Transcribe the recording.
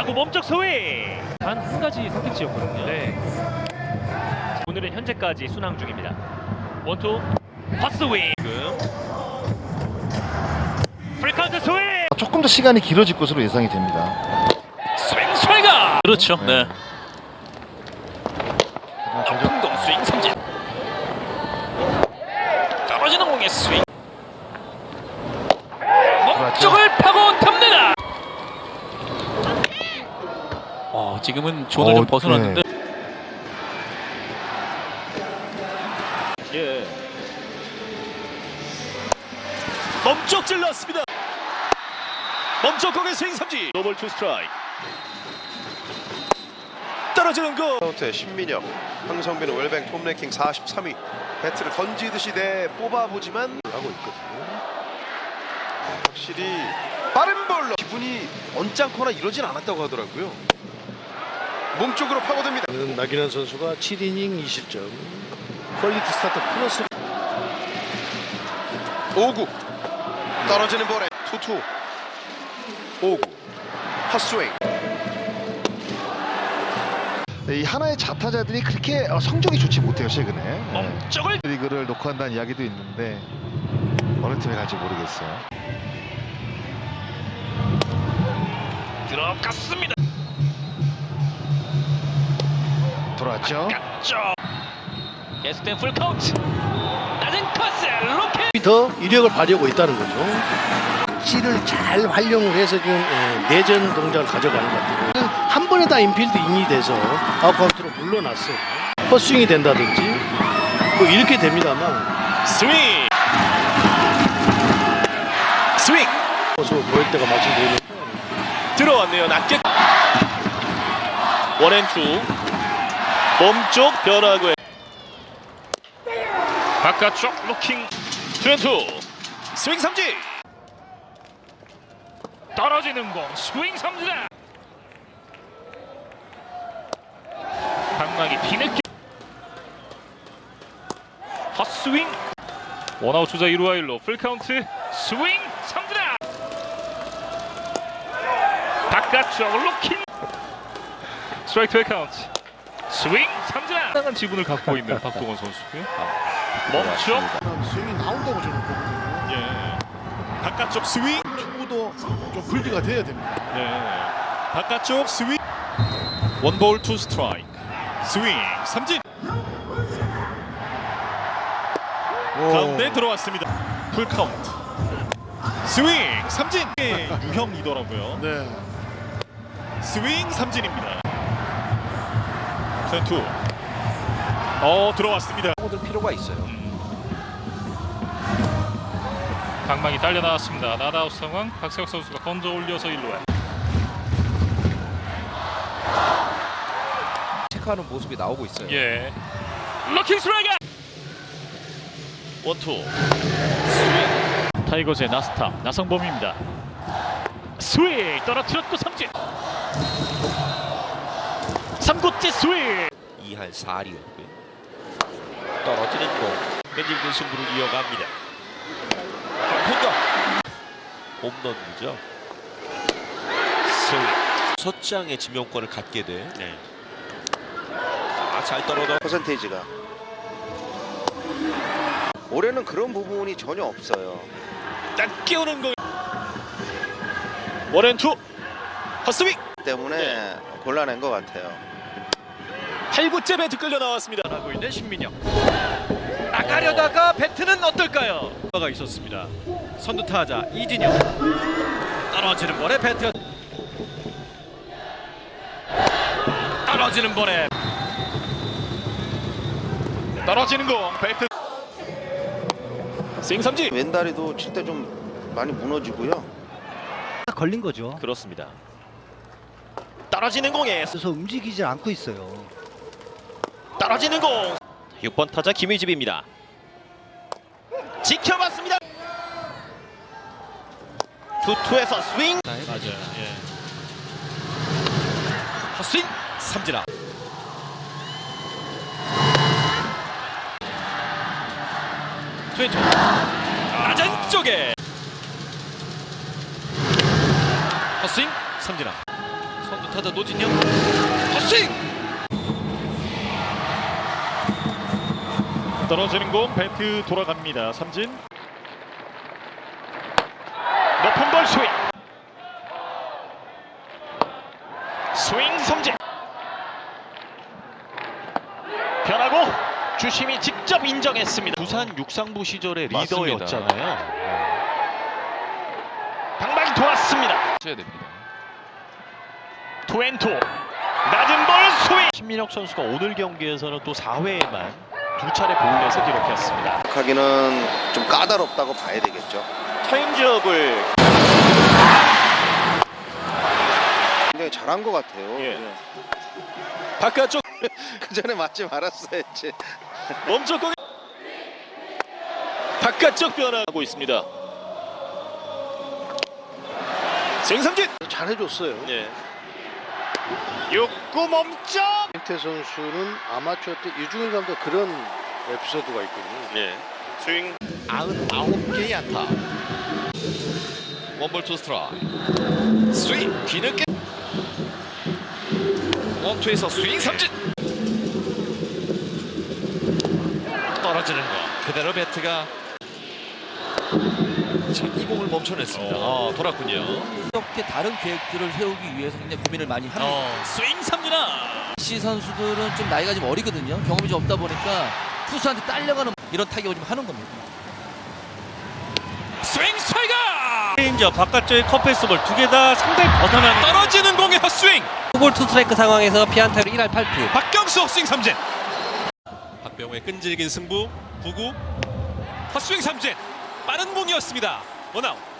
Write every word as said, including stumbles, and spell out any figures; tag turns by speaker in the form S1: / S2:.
S1: 타고 몸쪽 스윙.
S2: 단 한 가지 선택지였거든요.
S1: 네. 오늘은 현재까지 순항 중입니다. 원투 헛스윙. 지금 프리카운트 스윙.
S3: 조금 더 시간이 길어질 것으로 예상이 됩니다.
S1: 스윙 스윙아.
S2: 그렇죠. 네.
S1: 높은 공 스윙 삼진. 떨어지는 공의 스윙. 몸쪽을 파고 듭니다.
S2: 어, 지금은 존을 좀
S3: 어,
S2: 벗어났는데.
S3: 네.
S1: 예. 몸쪽 찔렀습니다. 몸쪽 공의 스윙 삼진. 노볼 투 스트라이크. 떨어지는 공.
S4: 카운트의 신민혁, 황성빈은 웰뱅 톱랭킹 사십삼 위. 배트를 던지듯이 내 뽑아보지만 하고 있거든요. 확실히 빠른 볼로 기분이 언짢거나 이러진 않았다고 하더라고요. 몸쪽으로 파고듭니다.
S5: 나균환 선수가 칠 이닝 이십 점, 퀄리티 스타트 플러스.
S4: 오 구 떨어지는 볼에 투투 오 구 헛스윙.
S3: 이 하나의 자타자들이 그렇게 어, 성적이 좋지 못해요 최근에. 네.
S1: 몸쪽을
S3: 리그를 놓고 한다는 이야기도 있는데 어느 팀에 갈지 모르겠어요.
S1: 들어갔습니다.
S3: 돌아왔죠.
S1: 갔죠. 계속된 풀 카운트. 낮은 코스 로켓.
S5: 더 이력을 발휘하고 있다는 거죠. 씨를 잘 활용을 해서 지금 예, 내전 동작을 가져가는 것 같아요. 한 번에 다 인필드 인이 돼서 아웃카운트로 물러났어요. 헛스윙이 된다든지 뭐 이렇게 됩니다만
S1: 스윙. 스윙.
S5: 모습을 보일 때가 마침 보이는.
S1: 들어왔네요. 낮게. 원앤투. 몸쪽 변화구에 바깥쪽 로킹. 투앤투. 스윙 삼진. 떨어지는 공 스윙 삼진. 방망이 뒤늦게 헛스윙. 원아웃 주자 일 루 일 루 풀카운트. 스윙 삼진. 바깥쪽 로킹. 스트라이크 투 카운트. 스윙 삼진. 상당한 지분을 갖고 있는 박동원 선수고요. 멈춰.
S5: 스윙이 나온다고 저는 보거든요.
S1: 예. 바깥쪽 스윙.
S5: 축구도 좀 분리가 돼야 됩니다.
S1: 네. 바깥쪽 스윙. 원볼 투 스트라이크. 스윙 삼진. 가운데 들어왔습니다. 풀 카운트. 스윙 삼진. 유형이더라고요.
S5: 네.
S1: 스윙 삼진입니다. 투. 어 들어왔습니다.
S4: 파고들 필요가 있어요.
S2: 방망이 딸려 나왔습니다. 나다웃 상황. 박세혁 선수가 건져 올려서 일 루에.
S4: 체크하는 모습이 나오고 있어요.
S2: 예. 럭킹 스트라이크. 원투. 스윙. 타이거즈의 나스타 나성범입니다. 스윙 떨어뜨렸고 삼진. 삼 구째 스윙.
S6: 이 할 사 리였고요. 떨어지는 공. 끈질긴 승부를 이어갑니다. 공격. 홈런이죠. 스윙. 첫 장의 지명권을 갖게 돼. 네. 아, 잘 떨어져.
S4: 퍼센테이지가 올해는 그런 부분이 전혀 없어요.
S1: 낮게 오는 공. 원앤투. 헛스윙.
S4: 때문에 곤란한 것 같아요.
S1: 팔 구째 배트 끌려 나왔습니다. 하고 있는 신민혁. 나가려다가 배트는 어떨까요? 가 있었습니다. 선두 타자 이진영. 떨어지는 볼에 배트. 떨어지는 볼에 떨어지는 공 배트. 스윙 삼진.
S4: 왼다리도 칠 때 좀 많이 무너지고요.
S7: 걸린 거죠.
S1: 그렇습니다. 떨어지는 공에
S7: 그래서 움직이지 않고 있어요.
S1: 떨어지는 공. 육 번 타자 김희집입니다. 지켜봤습니다. 투투에서 스윙.
S2: 맞아요. 예.
S1: 헛스윙 삼진아. 트웬투 낮은 쪽에 헛스윙 삼진아. 선두 타자 노진영 헛스윙
S8: 떨어지는 공 배트 돌아갑니다. 삼진 높은 볼 스윙 스윙 삼진 변하고 주심이 직접 인정했습니다.
S9: 부산 육상부 시절의
S2: 맞습니다.
S9: 리더였잖아요.
S8: 방망이 돌았습니다.
S2: 해야 됩니다.
S8: 투앤투 낮은 볼 스윙
S9: 신민혁 선수가 오늘 경기에서는 또 사 회에만 두 차례 볼넷을 기록했습니다.
S4: 하기는 좀 까다롭다고 봐야 되겠죠.
S8: 타임즈업을
S4: 굉장히 잘한 것 같아요.
S8: 예.
S1: 바깥쪽
S4: 그 전에 맞지 말았어야지.
S1: 멈췄고 바깥쪽 변화하고 있습니다. 생삼진
S5: 잘해줬어요.
S1: 예.
S8: 육 구 멈춰
S5: 김태 선수는 아마추어 때 유중일 감독 그런 에피소드가 있거든요.
S1: 예. 스윙
S6: 구십구 개의 안타. 원볼 투 스트라이크.
S1: 스윙 뒤늦게 원투에서 스윙 삼진 떨어지는 거
S6: 그대로 배트가 자, 이 공을 멈춰냈습니다. 어, 돌았군요.
S10: 이렇게 다른 계획들을 세우기 위해서 굉장히 고민을 많이 합니다.
S1: 어, 스윙 삼진아
S10: 시 선수들은 좀 나이가 좀 어리거든요. 경험이 좀 없다 보니까 투수한테 딸려가는 이런 타격을 좀 하는 겁니다.
S1: 스윙 스트라이크
S2: 레인저 바깥쪽에 컵페이스볼 두 개 다 상당히 벗어나는
S1: 떨어지는 공의 헛스윙
S10: 투볼 투 스트라이크 상황에서 피안타로 일 할 팔 푼.
S1: 박경수 헛스윙 삼진
S6: 박병호의 끈질긴 승부. 구 구
S1: 헛스윙 삼진 빠른 공이었습니다. 원아웃